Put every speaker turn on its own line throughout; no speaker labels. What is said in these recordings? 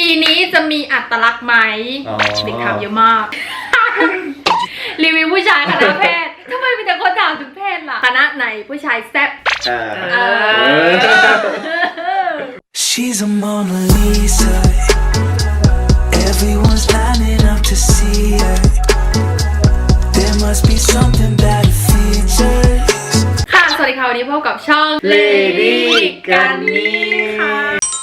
นี้จะมีอัตลักษณ์ไหมเด็กถามเยอะมาก รีวิวผู้ชายคณะแพทย์ทำไมมีแต่คนถามถึงเพศล่ะคณะไหนผู้ชายแซ่บ
She's a Mona Lisa. Everyone's lining up to see her. There must be something about her features.
ค่ะสวัสดีค่ะวันนี้พบกับช่อง
Lady กันนี่ค่ะ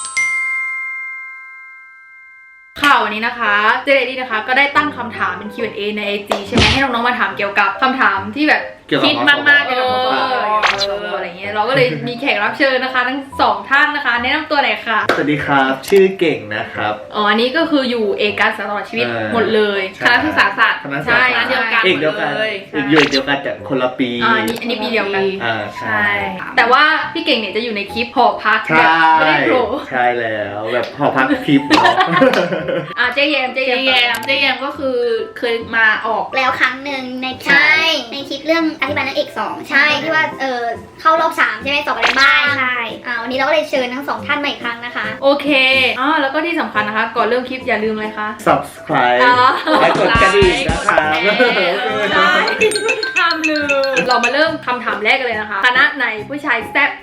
วันนี้นะคะเจเลดี้นะคะก็ได้ตั้งคำถามเป็น Q&A ใน IG ใช่ไหมให้น้องๆมาถามเกี่ยวกับคำถามที่แบบคิดมากๆเกี่ยวกับอะไรเงี้ยเราก็เลยมีแขกรับเชิญนะคะทั้ง2ท่านนะคะแนะนำตัวหน่อยค่ะ
สวัสดีครับชื่อเก่งนะครับ
อันนี้ก็คืออยู่เอกการตลอดชีวิตหมดเลยคณะศึกษาศาสตร์ใช่เดียวกัน
เดียวกันอยู่เดียวกันแต่คนละปี
อันนี้ปีเดียวกัน
ใช่
แต่ว่าพี่เก่งเนี่ยจะอยู่ในคลิปหอพักแบบไม่ได้โผล่
ใช่แล้วแบบหอพักคลิป
เจ๊แยมก็คือเคยมาออก
แล้วครั้งหนึ่งในคลิปเรื่องอธิบายนางเอก2ใช่ที่ว่าเข้ารอบ3ใช่ไหมสอบอะไรบ้างใช่วันนี้เราก็เลยเชิญทั้ง2ท่านมาอีกครั้งนะคะ
โอเคแล้วก็ที่สำคัญนะคะก่อนเริ่มคลิปอย่าลืมอะไรคะ
subscribe และกดกระดิ่งนะคะ
ห้ามลืมเรามาเริ่มคำถามแรกกันเลยนะคะคณะไหนผู้ชายแซ่บ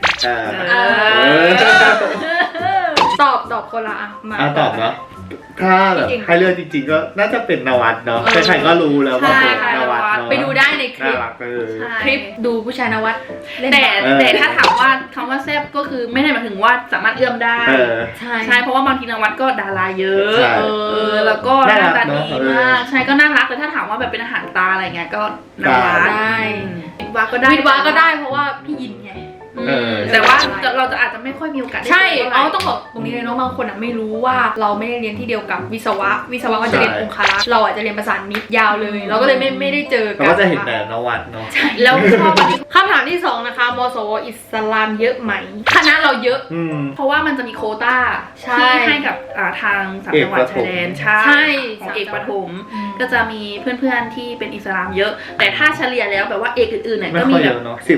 ตอบคนละมา
ตอบเนาะถ้าแบบให้เลือกจริงๆก็น่าจะเป็นนวัดเนาะใครๆก็รู้แล้วว่าเป็นนวัดเนาะ
ไปดูได้ในคลิปดูผู้ชายนวัด
แต่ถ้าถามว่าคำว่าแซ่บก็คือไม่ได้หมายถึงว่าสามารถเอื้อมได้ใช่เพราะว่าบางทีนวัดก็ดาราเยอะแล้วก็หน้าตาดีมากใช่ก็น่ารักแต่ถ้าถามว่าแบบเป็นอาหารตาอะไรเงี้ยก็นวัด
ได้
วิทวาก็ได้
เพราะว่าพี่ยินไง
แต่ว่าเราจะอาจจะไม่ค่อยมีโอกาส
ใช่ต้องบอกตรงนี้เลยเนาะบางคนไม่รู้ว่าเราไม่ได้เรียนที่เดียวกับวิศวะก็จะเรียนองคารักษ์เราอาจจะเรียนประสานมิตรยาวเลยเราก็เลยไม่ได้เจอกัน
ก็จะเห็นแต่นวัดเนาะ
แล้วคำถามที่2นะคะมสวอิสลามเยอะไหมคณะเราเยอะ
เพราะว่ามันจะมีโควต้าที่ให้กับทาง3จังหวัดชายแดนใช่ของเอกประถมก็จะมีเพื่อนๆที่เป็นอิสลามเยอะแต่ถ้าเฉลี่ยแล้วแบบว่าเอกอื่นๆเนี่ยก็มีแบบ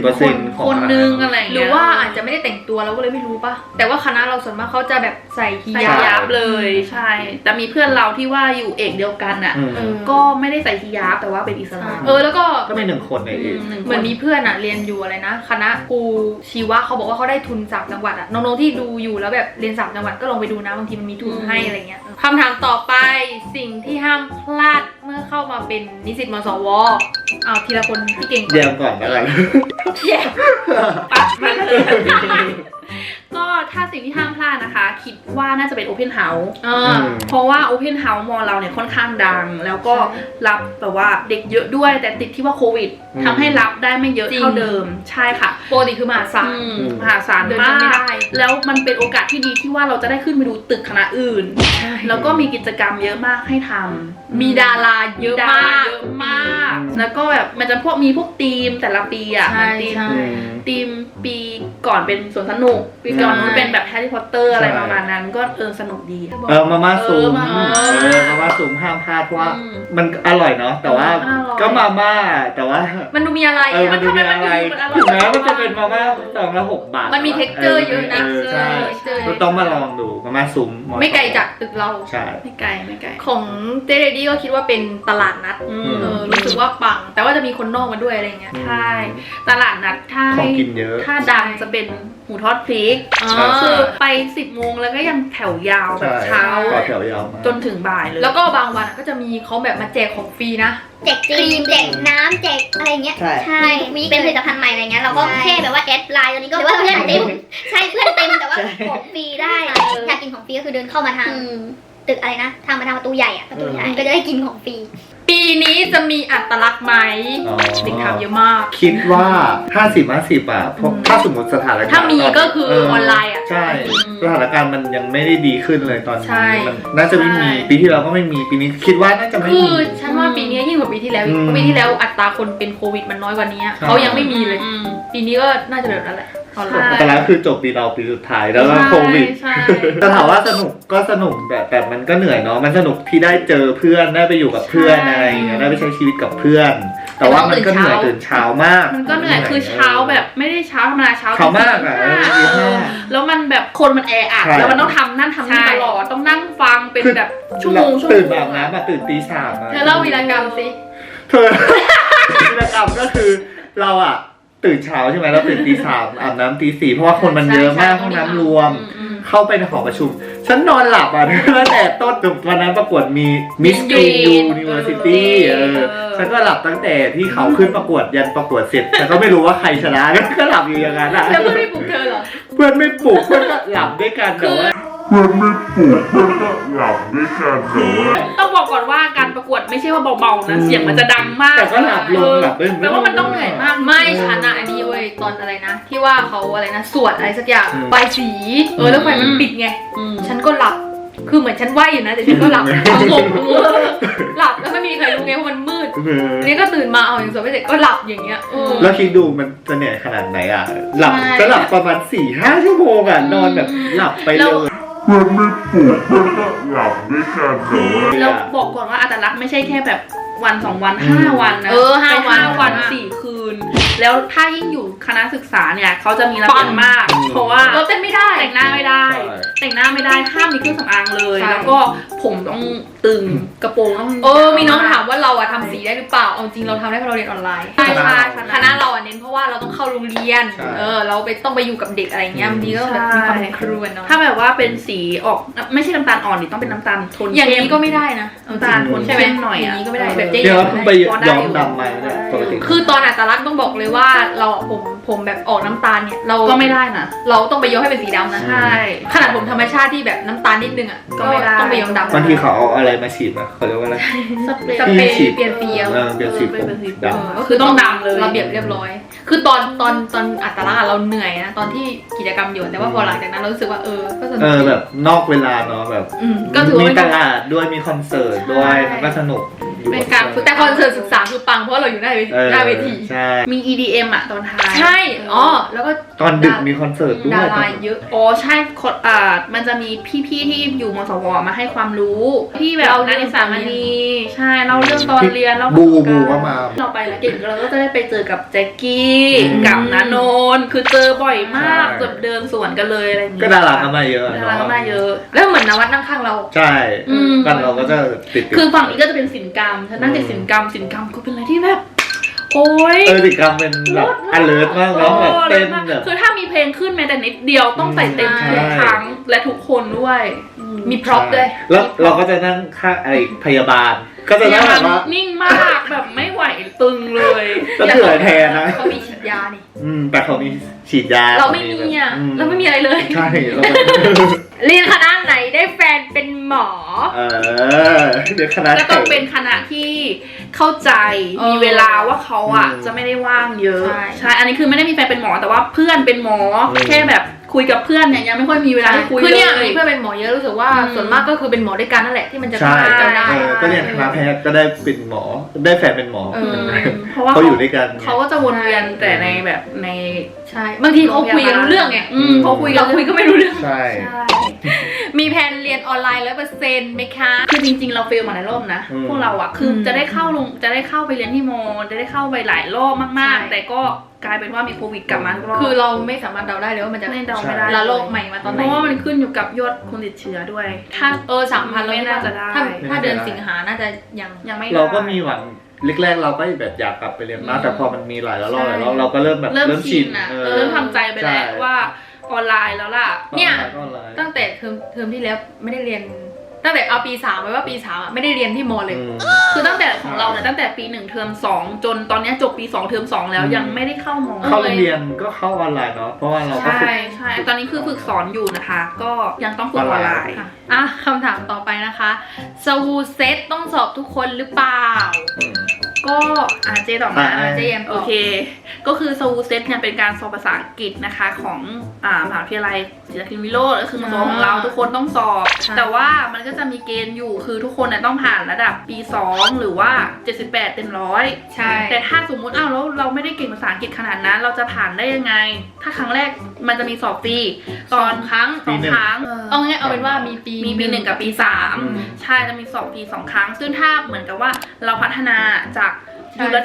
10%
คนนึงอะไร
หรือว่าอาจจะไม่ได้แต่งตัวเราก็เลยไม่รู้ป่ะแต่ว่าคณะเราส่วนมากเขาจะแบบใส่ฮิญาบ
เลยใช่แต่มีเพื่อนเราที่ว่าอยู่เอกเดียวกันอ่ะก็ไม่ได้ใส่ฮิญาบแต่ว่าเป็นอิสลาม
แล้วก็
เป็น1 คนในเอก
เหมือนมีเพื่อนเรียนอยู่อะไรนะคณะครูชีวะเขาบอกว่าเขาได้ทุน3จังหวัดน้องๆที่ดูอยู่แล้วแบบเรียน3จังหวัดก็ลองไปดูนะบางทีมันมีทุนให้อะไรเงี้ยคำถามต่อไปสิ่งที่ห้ามพลาดเมื่อเข้ามาเป็นนิสิตมสวเอาทีละคนพี่เก่ง
แยมก่อนแล้วกัน
แยม
ปั๊บมาเลยก็ถ้าสิ่งที่ห้ามพลาดนะคะคิดว่าน่าจะเป็น Open House เพราะว่า Open House มอเราเนี่ยค่อนข้างดังแล้วก็รับแบบว่าเด็กเยอะด้วยแต่ติดที่ว่าโควิดทำให้รับได้ไม่เยอะเท่าเดิมใช่ค่ะ
ปกติคือมหาศาล
มากแล้วมันเป็นโอกาสที่ดีที่ว่าเราจะได้ขึ้นไปดูตึกคณะอื่นแล้วก็มีกิจกรรมเยอะมากให้ทำ
มีดาราเยอะมาก
แล้วก็แบบมันจะมีพวกทีมแต่ละปีทีมปีก่อนเป็นสวนสนุกปีก่อนมันเป็นแบบแฮร์รี่พอตเตอร์อะไรประมาณนั้นก็สนุกดี
มาม่าซูมห้ามพลาดเพราะว่ามันอร่อยเนาะแต่ว่าก็มาม่าแต่ว่า
มันดูมีอะไร
มันดูมีอะไรถึงแม้มันจะเป็นมาม่า2 ละ 6 บาท
มันมีเท็กเจอร์เยอะนะ
ใช่ต้องมาลองดูมาม่าซูม
ไม่ไกลจากตึกเรา
ใช่
ไม่ไกล
ของเจเรดี้ก็คิดว่าเป็นตลาดนัดรู้สึกว่าปังแต่ว่าจะมีคนนอกมาด้วยอะไรเงี้ย
ใช่ตลาดนัดถ้าดังจะเป็นหมูทอดพริกคือไป10 โมงแล้วก็ยังแถวยาวแบบเช้าจนถึงบ่ายเลย
แล้วก็บางวันก็จะมีเขาแบบมาแจกของฟรีนะ
แจกครีมแจกน้ำแจกอะไรเงี้ยใช่เป็นผลิตภัณฑ์ใหม่อะไรเงี้ยเราก็แค่แบบว่าแอดไลน์ตอนนี้ก็เพื่อนเต็มใช่เพื่อนเต็มแต่ว่าของฟรีได้อยากกินของฟรีก็คือเดินเข้ามาทางตึกอะไรนะทางประตูใหญ่ก็จะได้กินของฟรี
ปีนี้จะมีอัตลักษณ์ไหมเด็กถามเยอะมาก
คิดว่า50-50เพราะถ้าสมมติสถานการณ์
ถ้ามีก็คือออนไลน์
ใช่สถานการณ์มันยังไม่ได้ดีขึ้นเลยตอนนี้มันน่าจะไม่มีปีที่แล้วก็ไม่มีปีนี้คิดว่าน่าจะไม่มี
คือฉันว่าปีนี้ยิ่งกว่าปีที่แล้วปีที่แล้วอัตราคนเป็นโควิดมันน้อยกว่านี้เขายังไม่มีเลยปีนี้ก็น่าจะแบบนั้นแหละ
แต่แล้วคือจบปีเราปีสุดท้ายแล้วก็โควิดแต่ถามว่าสนุกก็สนุกแต่มันก็เหนื่อยเนาะมันสนุกที่ได้เจอเพื่อนได้ไปอยู่กับเพื่อนอะไรอย่างเงี้ยได้ไปใช้ชีวิตกับเพื่อนแต่ว่ามันก็เหนื่อยตื่นเช้ามาก
มันก็เหนื่อยคือเช้าแบบไม่ได้เช้าธรรมดาเช้
ามาก
แล้วมันแบบคนมันแออัดแล้วมันต้องทำนั่นทำนี่ตลอดต้องนั่งฟังไปเป็นแบบชั่วโมง
ตื่นอาบน้ำมาตื่นตี 3
เธอเล่าวีรกรรมสิ
เธอ วีรกรรมก็คือเราอะตื่นเช้าใช่ไหมเราตื่นตี 3อาบน้ำตี 4เพราะว่าคนมันเยอะมากห้องน้ำรวม เข้าไปในหอประชุม ฉันนอนหลับอ่ะ ตั้งแต่ต้นจนวันนั้นประกวดมีมิสกรีนยูนิเวอร์ซิตี้ฉันก็หลับตั้งแต่ที่เขาขึ้นประกวดยันประกวดเสร็จฉันก็ไม่รู้ว่าใครชนะก็หลับอยู่อย่างนั้นอ่ะ
แล้วเพื่อนไม่ปลุกเธอเหรอ
เพื่อนไม่ปลุกเพื่อนก็หลับด้วยกันแต่ว่า
ต้องบอกก่อนว่าการประกวดไม่ใช่ว่าเบาๆนะเสียงมันจะดังมาก
แต่ก็หลับลงหลับไม่
แปลว่ามันต้องเหนื่อยมาก
ไม่ฉันอะอันนี้เว้ยตอนอะไรนะ ที่ว่าเขาอะไรนะสวดอะไรสักอย่างใบสีแล้วไฟมันปิดไงฉันก็หลับคือเหมือนฉันไหวอยู่นะแต่ฉันก็หลับงงหลับแล้วไม่มีใครรู้ไงเพราะมันมืดอันนี้ก็ตื่นมาเอาอย่างสวดไม่เสร็จก็หลับอย่างเงี้ย
แล้วคิดดูมันจะเหนื่อยขนาดไหนอ่ะหลับจะหลับประมาณ 4-5 ชั่วโมงอ่ะนอนแบบหลับไปเลย
แล้วบอกก่อนว่าอัตลักษณ์ไม่ใช่แค่แบบวัน2 วัน5 วันนะ
5
วัน4 คืน แล้วถ้ายิ่งอยู่คณะศึกษาเนี่ยเขาจะมีระเบียบมาก เพราะว่า
เราเต้นไม่ได้
แต่งหน้าไม่ได้ แต่งหน้าไม่ได้ห้ามมีเครื่องสำอางเลย แล้วก็ผมต้องตึงกระโปรงต้อง
มีน้องถามว่าเราอะทำสีได้หรือเปล่าเอาจริงเราทำได้เพราะเราเรียนออนไลน์ใช่คณะเราอะเน้นเพราะว่าเราต้องเข้าโรงเรียนเราต้องไปอยู่กับเด็กอะไรเงี้ยบางทีก็แบบมีความเป็นครูเนาะ
ถ้าแบบว่าเป็นสีออกไม่ใช่น้ำตาลอ่อนนี่ต้องเป็นน้ำตาลโทน
อย่าง
เข้ม
นี้ก็ไม่ได้นะ
น้ำตาลโทน
ใช่ไหม
เข้มหน่อย
อย่างนี้ก็ไม่ได้แบบเจ๊
เดี๋ยวเพิ่งไปย้อมดำมาเนี่ยปกติ
คือตอนอัตลักษณ์ต้องบอกเลยว่าเราผมแบบออกน้ำตาลเนี่ยเรา
ก็ไม่ได้นะ
เราต้องไปย้อมให้เป็นสีดำนะ
ใช่
ขนาดผมธรรมชาติที่แบบน้ำตาลนิดนึงอ่ะ
ก็ไม่ได้
ต้องไปย้อมดำ
บางทีเขาเอาอะไรมาฉีดอะเขาเรียกว่าอะไร
สเปรย์
สเปรย์เปลี่ยนเฟี้ยว
เปลี่ยนสีผมดำ
ก็คือต้องดำเลย
ระเบียบเรียบร้อย คือตอนอัตลักษณ์อะเราเหนื่อยนะตอนที่กิจกรรมอยู่แต่ว่าพอหลังจากนั้นเรารู้สึกว่าก็สนุก
แบบนอกเวลาเนาะแบบ
ก็ถือว่า
มี
เป็น
ตลาดด้วยมีคอนเสิร์ตด้วยมันก็สนุก
เป็นการฝึก
แต่คอนเสิร์ตศึกษาคือปังเพราะเราอยู่หน้าเวที
ใช่
มี EDM อ่ะตอนท้าย
ใช่ แล้วก็
ตอนดึกมีคอนเสิร์ตด้ว
ดาย ราเยอะ
อ๋อใช่มันจะมีพี่ๆที่อยู่มสวมาให้ความรู้ที่แบบนักศึกษามณีใช่เล่าเรื่องตอนเรียนแล้ว
บูก็มา
เราไปแล้วเก่งเราก็จะได้ไปเจอกับแจ็คกี้กับณโนนคือเจอบ่อยมากเกือบเดินสวนกันเลยอะไรอย่างเงี้ย
ก็ดาราก็มาเยอะ
ดาราก็มาเยอะ
แล้วเหมือนนวัดนั่งข้างเรา
ใช่กันเราก็จะติด
คือฝั่งนี้ก็จะเป็นศิลปกรรมฉันนั่งติดศิลปกรรมก็เป็นอะไรที่แบบโอ้ย
ติดกรรมเป็นแบบ alert มากเนาะแบบเต้นแบบ
คือถ้ามีเพลงขึ้นแม้แต่นิดเดียวต้องใส่เต็มทุกครั้งและทุกคนด้วย
มีพร็อพด้วย
แล้วเราก็จะนั่งข้างอะไรพยาบาลก็จะนั่งแบบว่า
นิ่งมากแบบไม่ไหวตึงเลย
จะเถื่อยแทนนะ
เขามีฉีดยานี่
แต่เขามีฉีดยา
เราไม่มีอ่ะเราไม่มีอะไรเลย
ใช่เรา
เรียนคณะไหนได้แฟนเป็นหมอ
เดี๋ยวคณะ
ก็ต้องเป็นคณะที่เข้าใจมีเวลาว่าเขาอ่ะจะไม่ได้ว่างเยอะใช่อันนี้คือไม่ได้มีแฟนเป็นหมอแต่ว่าเพื่อนเป็นหมอแค่แบบคุยกับเพื่อนเนี่ยยังไม่ค่อยมีเวลาคุยเลย
คือเนี่ยเพื่อนเป็นหมอเยอะรู้สึกว่าส่วนมากก็คือเป็นหมอด้วยกันนั่นแหละที่มันจะ
ใช่
ทำกันได้
ก็เรียนคณะแพทย์ก็ได้เป็นหมอได้แฟนเป็นหมอ
เพราะว่า
เขาอยู่ด้วยกัน
เขาก็จะวนเวียนแต่ในแบบใน
ใช่บางทีเขาคุยกันรู้เรื่องไง
เขาคุยกัน
เราคุยก็ไม่รู้เรื่อง
ใช่
มีแผนเรียนออนไลน์100%ไหมคะ
คือจริงๆเราเฟลมาหลายรอบนะพวกเราอ่ะคือจะได้เข้าไปเรียนที่มอจะได้เข้าไปหลายรอบมากๆแต่ก็กลายเป็นว่ามีโควิดกลับมาทุกรอบ
คือเราไม่สามารถเดาได้เลยว่ามันจะ
เดาไม่ได้
ละโลกใหม่มาตอนไห
เพ
น
ราะว่ามันขึ้นอยู่กับยอดคนติดเชื้อด้วย ถ้า
3,000เรา
ไม่น่าจะได้
ถ้าเดือนสิงหาน่าจะยัง
ไม่ได้
เราก็มีหวังแรกๆเราก็แบบอยากกลับไปเรียนนะแต่พอมันมีหลายรอบเราก็เริ่มแบบเริ่มชิน
นะเริ่มทำใจไปแล้วว่าออนไลน์แล้วล่ะ
เนี่ยตั้งแต่เทอมที่แล้วไม่ได้เรียนตั้งแต่เอาปี3ไว้ว่าปี3อ่ะไม่ได้เรียนที่มอเลย
คือตั้งแต่ของเราเนี่ยตั้งแต่ปี1เทอม2จนตอนนี้จบปี2เทอม2แล้วยังไม่ได้เข้ามอ
เข้าโรงเรียนก็เข้าออนไลน์เนาะเพราะว่าเราก็ฝึก
ใช่ตอนนี้คือฝึกสอนอยู่นะคะ ก็ยังต้องฝึกออนไลน์
คำถามต่อไปนะคะสวูเซตต้องสอบทุกคนหรือเปล่า
ก็เจตอบมา
เจแยม
โอเคก็คือสวูเซตเนี่ยเป็นการสอบภาษาอังกฤษนะคะของมหาวิทยาลัยศรีนครินทร์วิโรจน์ก็คือมสวของเราทุกคนต้องสอบแต่ว่ามันก็จะมีเกณฑ์อยู่คือทุกคนเนี่ยต้องผ่านระดับปี2หรือว่า78เต็ม100
ใช่
แต่ถ้าสมมุติแล้วเราไม่ได้เก่งภาษาอังกฤษขนาดนั้นเราจะผ่านได้ยังไงถ้าครั้งแรกมันจะมีสอบฟรีตอนครั้ง2 ครั้ง
เอาง่ายเอาเป็นว่ามีปี
1กับปี3ใช่จะมีสอบปี2 ครั้งซึ่งถ้าเหมือนกับว่าเราพัฒนาจากอยู่ระดับ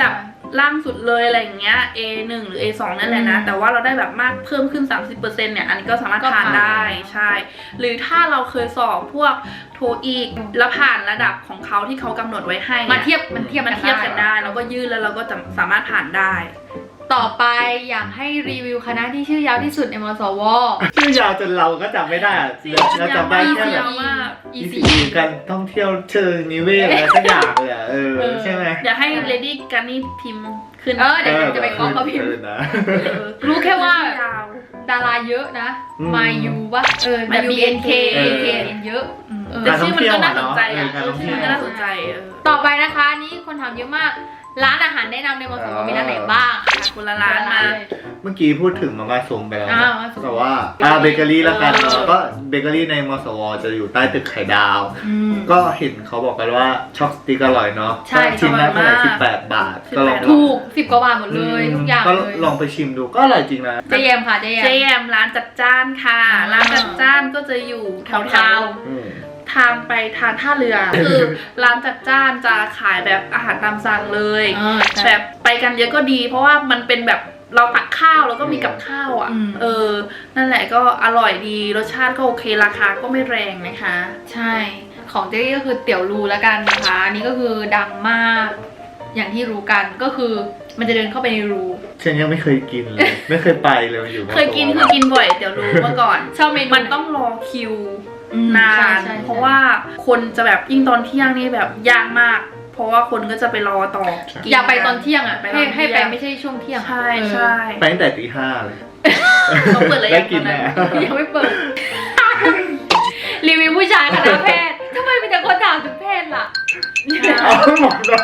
ล่างสุดเลยอะไรอย่างเงี้ย A1 หรือ A2 นั่นแหละนะแต่ว่าเราได้แบบมากเพิ่มขึ้น 30%เนี่ยอันนี้ก็สามารถผ่านได้ใช่หรือถ้าเราเคยสอบพวกโทอีกแล้วผ่านระดับของเขาที่เขากำหนดไว้ให้
มันเทียบ
กันได้แล้วก็ยื่นแล้วเราก็จะสามารถผ่านได้
ต่อไปอยากให้รีวิวคณะที่ชื่อยาวที่สุดในมสว
ชื่อยาวจนเราก็จำไม่ได้อะเราจำได้แค่แบบ ECE การท่องเที่ยวเชิงนิเวศอะไรสักอย่างเลยอะใช่ไหม
อยากให้เลดี้การนี่พิมพ์ขึ้น
เดี๋ยวจะไปขอเขาพิมพ์
นะ
รู้แค่ว่า
ยาว
ดาราเยอะนะ มายูว่าแบบ
มายู
BNK เยอะ
แต่ชื่อมันก็น่าสนใจอ่ะชื่อมันก็น่าสนใจ
ต่อไปนะคะนี่คนถามเยอะมากร้านอาหารแนะนำในมสวมีร้านไหนบ้าง
คนละร้านมา
เมื่อกี้พูดถึงมาม่าซุงไปแล้ว
มาม่าซุง
แต่ว่าเบเกอรี่ละกันเนาะก็เบเกอรี่ในมสวจะอยู่ใต้ตึกไข่ดาว ก็เห็นเขาบอกกันว่าช็อกสติ๊กอร่อยเนาะ
ใช่
ชิ้นละเท่าไหร่18 บาทก็ลอง
ถูก10 กว่าบาทหมดเลยทุกอย่าง
ก็
เลย
ลองไปชิมดูก็อร่อยจริงนะ
เจแยมค่ะเจแยม
เจแยมร้านจัดจ้านค่ะ ร้านจัดจ้านก็จะอยู่แถว ทางไปทางท่าเรือ คือร้านจัดจ้านจะขายแบบอาหารตามสั่งเลย แบบไปกันเยอะก็ดี เพราะว่ามันเป็นแบบเราตักข้าวแล้วก็มีกับข้าวอ่ะนั่นแหละก็อร่อยดีรสชาติก็โอเคราคาก็ไม่แรงนะคะ
ใช่ของเจ๊ก็คือเตี๋ยวรูแล้วกันนะคะอันนี้ก็คือดังมากอย่างที่รู้กันก็คือมันจะเดินเข้าไปในรู
ฉันยังไม่เคยกินเลย ไม่เคยไปเลยอยู่
เคยกินบ่อยเดี๋ยวรู้เมื่อก่อน
ชอบเมนู
มันต้องรอคิวนาน
ใช่
เพราะว่าคนจะแบบยิ่งตอนเที่ยงนี่แบบยากมาก เพราะว่าคนก็จะไปรอต่อกิน
อยากไปตอนเที่ยงอ่ะ
ไปตอน
ให้ไป
เที่ยง
ไม่ใช่ช่วงเที่ยง
ใช่ใช่
ไปตั้งแต่ตี 5เลย
เขาเปิดเลย
ได้กิน
ตอ
แน่
ยังไม่เปิด รีวิวผู้ชายคณะแพทย์ทำไมมีแต่คนถามถึงเพศล่ะ
เอาหมดแล้ว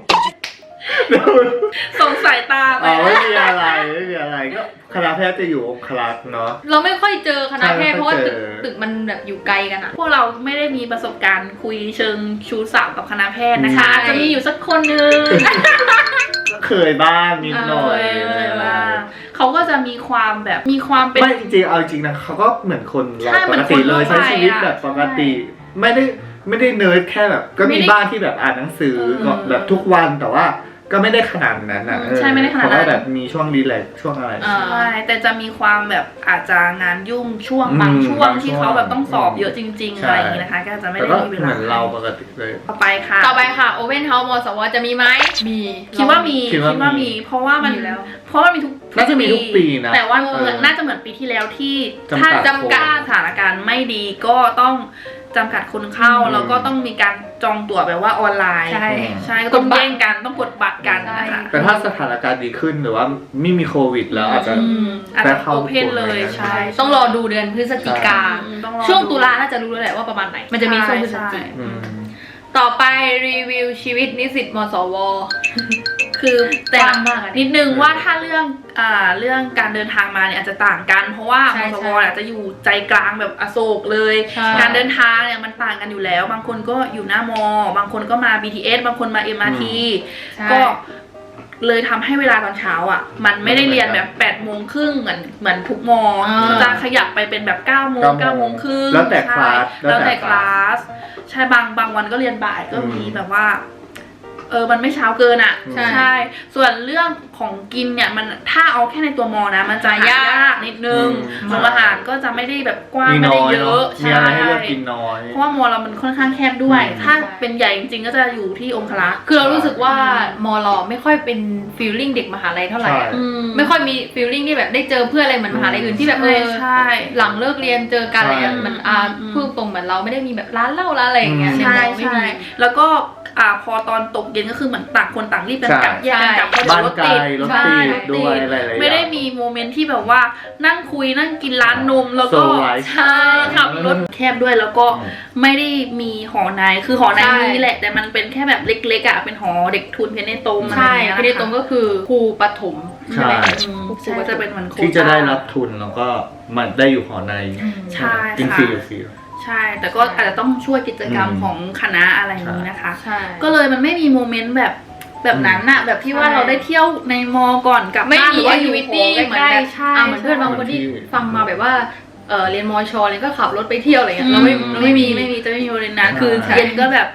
ส่งสายตาไป
ไม่มีอะไรก็คณะแพทย์จะอยู่องคลักษ์เนาะ
เราไม่ค่อยเจอคณะแพทย์
ใช่
เพราะว่า
ไม่ค่อยเจอ
ตึกมันแบบอยู่ไกลกันอ่ะ
พวกเราไม่ได้มีประสบการณ์คุยเชิงชู้สาวกับคณะแพทย์นะคะ
ใช่
อาจจะมีอยู่สักคนนึง
ก็เคยบ้างนิดหน่อย
เขาก็จะมีความแบบมีความเป็น
ไม่จริงๆเอาจริงนะเขาก็เหมือนคนเรา
ใช่
ป
เหมื
ก
อน
ติเลย
คนทั่วไป
ใช้ชีวิตแบบปกติ ไม่ได้เนิร์ดแค่แบบ ก็
ไม่
มี
ได้
บ้านที่แบบอ่านหนังสือก็แบบทุกวันแต่ว่าก็ไม่ได้ขนาดนั้นอ่ะ
ใช่ไม่ได้ขนาดนั้น
เพราะว่าแบบมีช่วงรีแลกซ์ช่วงอะไร
ใช่แต่จะมีความแบบอาจจะงานยุ่งช่วงบางช่วงที่เขาแบบต้องสอบเยอะจริงๆ
ใช่
อะไรอย่างนี้นะคะ ก็จะไม่
แต่
ได้
ก็
มีเว
เห
ลา
มือนเราปกติเลย
ต่อไปค่ะ
ต่อไปค่ะโอเ n นเฮาส์มสวจะมีไหมมี
คิดว่ามี
คิดว่ามี
เพราะว่ามัน
มีแล้ว
เพราะว่ามีทุก
น่าจะมีทุกปีนะ
แต่ว่า
เออ
น่าจะเหมือนปีที่แล้วที่
จำกั
ถ้า
ด
จำกัดสถานการณ์ไม่ดีก็ต้องจำกัดคนเข้า แล้วก็ต้องมีการจองตั๋วแบบว่าออนไลน์
ใช่
ใช่ก็ต้องแย่งกันต้องกดบัตรกันนะคะ
แต่ถ้าสถานการณ์ดีขึ้นหรือว่าไม่มีโควิดแล้วอาจจะ
อาจ
ได้
จะ
เข้า
โอเพนเลยใช่
ต้องรอดูเดือนพฤศจิกา
ต้องรอ
ช่วงตุลาน่าจะรู้แล้วแหละว่าประมาณไหน มันจะมีช่วงพฤศจิกา
อืม
ต่อไปรีวิวชีวิตนิสิตมสว
คือแต่
กว้างมากอะ
นิดนึงว่าถ้าเรื่องการเดินทางมาเนี่ยอาจจะต่างกัน เพราะว่า
ใช่
มส
ใช่
วอาจจะอยู่ใจกลางแบบอโศกเลย
ใช่
การเดินทางเนี่ยมันต่างกันอยู่แล้ว บางคนก็อยู่หน้ามบางคนก็มา BTS บางคนมา MRT
ใช่
ก็เลยทำให้เวลาตอนเช้าอ่ะ มันไม่ได้เรียนแบบ8 โมงครึ่งเหมือนทุกมอจะขยับไปเป็นแบบ9 โมง 9 โมงครึ่ง
แล้วแต่คลาส
แล้วแต่คลาสใช่บางวันก็เรียนบ่ายก็มีแบบว่ามันไม่เช้าเกินอ่ะ
ใช่
ส่วนเรื่องของกินเนี่ยมันถ้าเอาแค่ในตัวมอนะมันจะยากนิดนึงโรงอาหารก็จะไม่ได้แบบกว้าง
มี
ไม่
น้
ได้
อย
เย
เนาะ
อะ
มีอะไรให้เลือกกินน้อย
เพราะว่ามอเรามันค่อนข้างแคบด้วย
อืม
ถ้าเป็นใหญ่จริงๆก็จะอยู่ที่องคลักษ์
คือเรารู้สึกว่ามอลอไม่ค่อยเป็นฟีลลิ่งเด็กมหาลัยเท่าไหร่
ใช่
อะไม่ค่อยมีฟีลลิ่งที่แบบได้เจอเพื่อนอะไรเหมือนมหาลัยอื่นที่แบบ
ใช่
หลังเลิกเรียนเจอกันอะไรเงี้ย
ใช่
มันพูดตรงเหมือนเราไม่ได้มีแบบร้านเหล้าร้านอะไรอย่างเงี้ย
อืม
ใช่
ไม่
ใช่
มี
แล้วก็พอตอนตกเย็นก็คือเหมือนต่างคนต่างรีบกันกลับ
ใช่
แยกกันกลับเพราะเดี๋
บ้าย
วน รถ
ไกล
ติด
รถ
ใช่
ติดด้วยอะไรหลายๆ
ไม่ได้มีโมเมนต์ที่แบบว่านั่งคุยนั่งกินร้านนมแล้วก็
โซไลฟ์
ใช่ขับรถแคบด้วยแล้วก็ไม่ได้มีหอในคือหอใน
ใช่
มีแหละ แต่มันเป็นแค่แบบเล็กๆอ่ะเป็นหอเด็กทุนเพนเนโตม
ใช่
อะไรอย่างเงี้ย
พี่ได้ตรงก็คือครูปฐม
ใช่
ไหม
ใช่จะเป็นเหมือนโควต้า
ที่จะได้รับทุนแล้วก็มันได้อยู่หอใน
ใช่
กิน
ค่ะ
ฟรีอยู่ฟรี
ใช่ แต่ก็อาจจะต้องช่วยกิจกรรมของคณะอะไรอย่างนี้นะคะ
ใช่
ก็เลยมันไม่มีโมเมนต์แบบนั้นอะแบบที่ว่า
ใช่
เราได้เที่ยวในมอก่อนกลับ
ไม่
บ้านห
มี
รือ
แอ
ว่า
ค
อ
ทิ
ยู่
วิ
ห
ตี้
อ
เหมือน
ใกล้
แบบ
ๆใช่
เหมือนเพื่อนบางคนที่
ใช่
ฟังมาแบบว่าเรียนมอชอเลยก็ขับรถไปเที่ยวอะไรเงี้ยเราไม่มี
จะไม่มีโมเมนต์นั้นคือ
ใช่
เย็นก็แบบ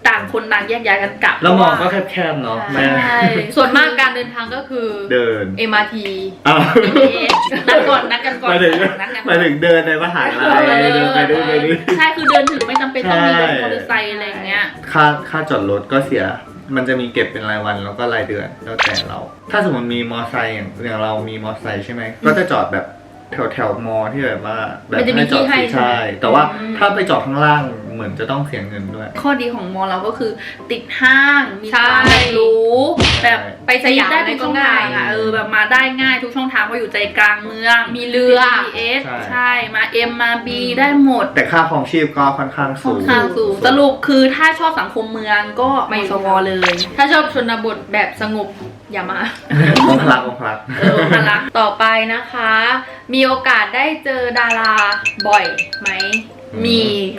ต่างคนต่างแยกย้ายกันกลับ
แล้วมองก็แคบๆเนาะแม่
ใช่
ส่วนมากการเดินทางก็คือ
เดิน
MRT
อ้าว
นัดก่อนนัดกันก่อน
หมายถึง
นัดกัน
หมายถึงเดินในมหาลัยเดินไปดูไปดู
ใช่คือเดินถึงไม่จำเป็นต้องมีรถ
ใช่
มอเตอร์ไซค์อะไรอย่างเงี้ย
ค่าจอดรถก็เสีย มันจะมีเก็บเป็นรายวันแล้วก็รายเดือนแล้วแต่เรา ถ้าสมมติมีมอไซค์อย่างเรามีมอไซค์ใช่ไหมก็จะจอดแบบแถวมอที่แบบว่าแบบ
มันจะมีที่ให้
ใช่แต่ว่าถ้าไปจอดข้างล่างเหมือนจะต้องเสียเงินด้วย
ข้อดีของมอเราก็คือติดห้างมี
ใช่
ความแบบรู้แบบ
ไปสยาม
ได้ทุกช่องทาง
อะไรก็ง่าย
อ่ะแบบมาได้ง่ายทุกช่องทางเพราะอยู่ใจกลางเมือง
มีเรือ
BTS
ใช่
ใช่มา M มา B ได้หมด
แต่ค่าครองชีพก็ค่อนข้าง
ค่
สู
อน
ง
ข้างสูงสรุปคือถ้าชอบสังคมเมืองก็มาอยู่สวเลย
ถ้าชอบชนบทแบบสงบอย่ามา
องคลักองคลัก
พลัก
ต่อไปนะคะ มีโอกาสได้เจอดาราบ่อยไหม
มี
มี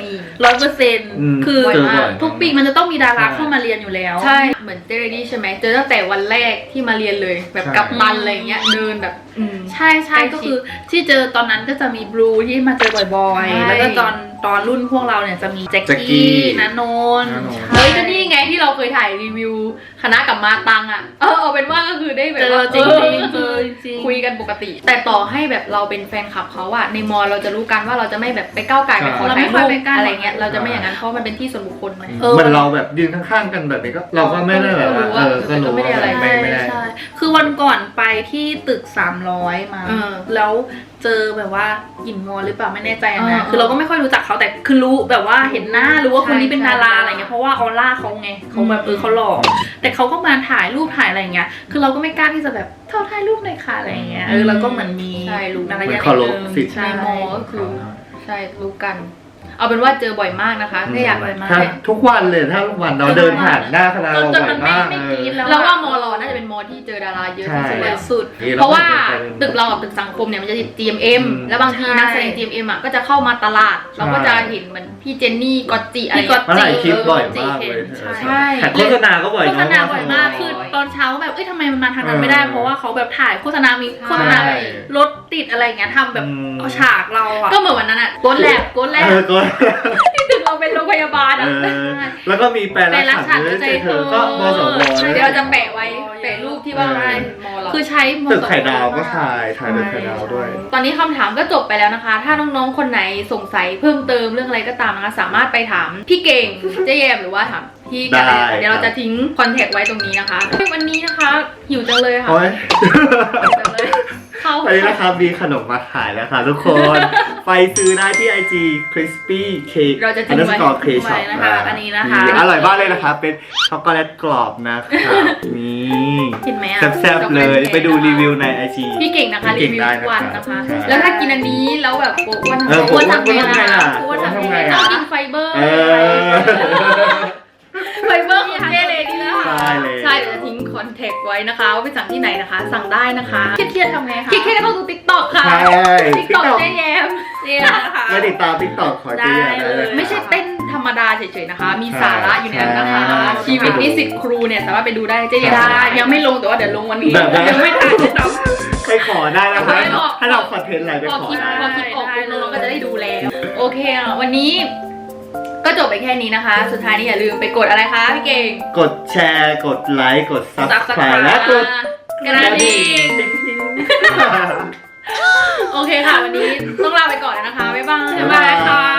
100%คือ
เจอบ่อย
ทุกปีมันจะต้องมีดารา
ใช่
เข้ามาเรียนอยู่แล้ว
ใช่ เหมือนเจเรดี้ใช่ไหม เจอตั้งแต่วันแรกที่มาเรียนเลย แบบ
ใช่
กับตันอะไรเงี้ย เดินแบบ
ใช่ใช่
ใกล้ชิด
ก็คือที่เจอตอนนั้นก็จะมีบลูที่มาเจอบ่อย
ใช่
ๆ แล้วก็ตอนรุ่นพวกเราเนี่ยจะมีแจ็ค
แจ็คกี้
กี้ณนนท์
ณนนท์
เฮ้ยก็นี่ไงที่เราเคยถ่ายรีวิวคณะกับมาตังอ่ะ เอาเป็นว่าก็คือได้แบบ
เจอ
ว่า
จริง
เออ
ๆเจอจริง
คุยกันปกติ แต่ต่อให้แบบเราเป็นแฟนคลับเขาอะในมอเราจะรู้กันว่าเราจะไม่แบบไปก้าวไก่ไปขอ
เรา
ถ่า
ไม่
ย
ค่
รู
อย
ป
ไปก้าว
อะไรเงี้ยเราจะไม่อย่างนั้นเพราะมันเป็นที่ส่วนบุคคลไหม
เหมือนเราแบบยืนข้างๆกันแบบนี้ก็เราก็ไม่ได้แบบว่าก็รู้
ไม่ได้
ว่า
อะไร
ไม่ได้
ใช่คือวันก่อนไปที่ตึก300มา
เออ
แล้วเจอแบบว่าหยินมอหรือเปล่าไม่แน่ใจ
เอ
นะ
อ
คือเราก็ไม่ค่อยรู้จักเขาแต่คือรู้แบบว่าเห็นหน้ารู้ว่าคนนี้เป็น
ใช่
ดารา
ใช่
อะไรเงี้ยเพราะว่าออร่าเขาไงเขาแบบ
อืม
เขาหล่อแต่เขาก็มาถ่ายรูปถ่ายอะไรเงี้ยคือเราก็ไม่กล้าที่จะแบบเท่าถ่ายรูปหน่อยค่ะอะไรเงี้ยเราก็เหมือนมี
ใช่รู้
มาร
เหมื
ยา
อน
ท
เคารพ
นิดนึง
สิทธิ์
ใช่
ในมอก็คือ ใช่รู้กัน เอาเป็นว่าเจอบ่อยมากนะคะถ้าอยาก
บ่อยมาก
ถ้าทุกวันเลยถ้าทุกวันเราเดินผ่านหน้าคณะเรา
จน
บ่อ
มั
ย
นไม่
มาก
ไม่กรี๊ดแล้ว
เราว่ามอเราน่าจะเป็นมอที่เจอดาราเยอะที่สุด
ใช่
แล้ว
สุด
เพราะว่าตึกเรากับตึกสังคมเนี่ยมันจะติด GMM แล้วบางที
ใช่
นักแสดง GMM อ่ะก็จะเข้ามาตลาด เราก็จะเห็นเหมือนพี่เจนนี่กอตจิอะไร
พี่ก๊อต
มาถ่ายคลิปบ่อยมากเลย
ใช่
แข่งโฆษณาก็บ่อย
โฆษ
เนาะ
ณาบ่อยมากคือตอนเช้าแบบทำไมมันมาทางนั้นไม่ได้ เพราะว่าเขาแบบถ่ายโฆษณามีโฆษณาแบบรถติดอะไรอย่างเงี้ยทำแบบเอาฉากเราอะ
ก็เหมือนวันนั้นอ่ะโกดแลบ
ก็
ที่ตึกเราเป็นโรงพยาบาลอ่ะ
แล้วก็มีแปลรักฉันด้วยใจเธอก็มสว
เดี๋ยวเราจะแปะไว้แปะรูปที่ว่าเป็นมอเรา
คือใช้ม
ตึกไข่ดาวก็ถ่ายตึกไข่ดาวด้วย
ตอนนี้คำถามก็จบไปแล้วนะคะ ถ้าน้องๆ คนไหนสงสัยเพิ่มเติมเรื่องอะไรก็ตามนะคะ สามารถไปถามพี่เก่ง เจ๊แยมหรือว่าถามพี่กันได้เดี๋ยวเราจะทิ้งคอนแทคไว้ตรงนี้นะคะ วันนี้นะคะหิวจังเลยค่ะ
โอ้ย
หิวจังเลยเข้า
วันนี้นะครับมีขนมมาขายแล้วค่ะทุกคน ไปซื้อได้ที่ IG crispy cake
เราจะทิ้งไว้
underscore cake
ไว้
shop
นะคะอันนี้นะคะ
อร่อยมากเลยนะคะเป็นช็อกโกแลตกรอบนะครับนี่
เห็นไหมอะ
แซ่บๆเลยไปดูรีวิวใน IG
พี่เก่งนะคะ
พี่
รี
เก่ง
วิว
ได้
ทุก
นะ
วัน
ครับ
นะคะ
ใช่
แล้วถ้ากินอันนี้แล้วแบบโอ้อ้วน
เออ
อ้วนทำไง
อ้วนทำไงล่ะ
อ้วนทำ
อ้วนทำไง
ไง
อะ
ต้องกินไฟเบอร์
เออ
ไฟเบอร์ของเจเลยนี่นะคะ
ใช่เลย
ใช่เดี๋ยวจะทิ้งคอนแทคไว้นะคะว่าไปสั่งที่ไหนนะคะ สั่งได้นะคะ
เครียดๆทำไงคะ
คิดแค่ต้องดู TikTok ค่ะ
ใช่
TikTok เจ๊แยม
เนี่ยนะคะ
ไม่ติดตาม TikTok ขอเจียได้เลย
ไม่ใช่เต้นธรรมดาเฉยๆนะคะ มีสาระอยู่ในนั้นนะคะ
ใช่
ชีวิตนิสิตครูเนี่ยสามารถไปดูได้เจ๊แยม
ได้ยังไม่ลงแต่ว่าเดี๋ยวลงวันนี้
แบบนั้น
ยังไม่ทันเลยซ้
ไปขอได้นะคะ
ไม่บอก
ถ้าเราคอนเทนต์อะไรไป
พอ
ขอ
คิด
ได้
พอคิดออก
ได้
ปุ๊บ
เลย
น้องๆก็จะได้ดูแล้ว โอเคอ่ะวันนี้ก็จบไปแค่นี้นะคะ สุดท้ายนี้อย่าลืมไปกดอะไรคะพี่เก่ง
กดแชร์กดไลค์กด
Subscribe
Subscribe และกด
กระดิ่ง
ติ๊ง
โอเคค่ะ วันนี้ต้องลาไปก่อนแล้วนะคะ บ๊ายบาย
ำบ๊ายบายค่ะ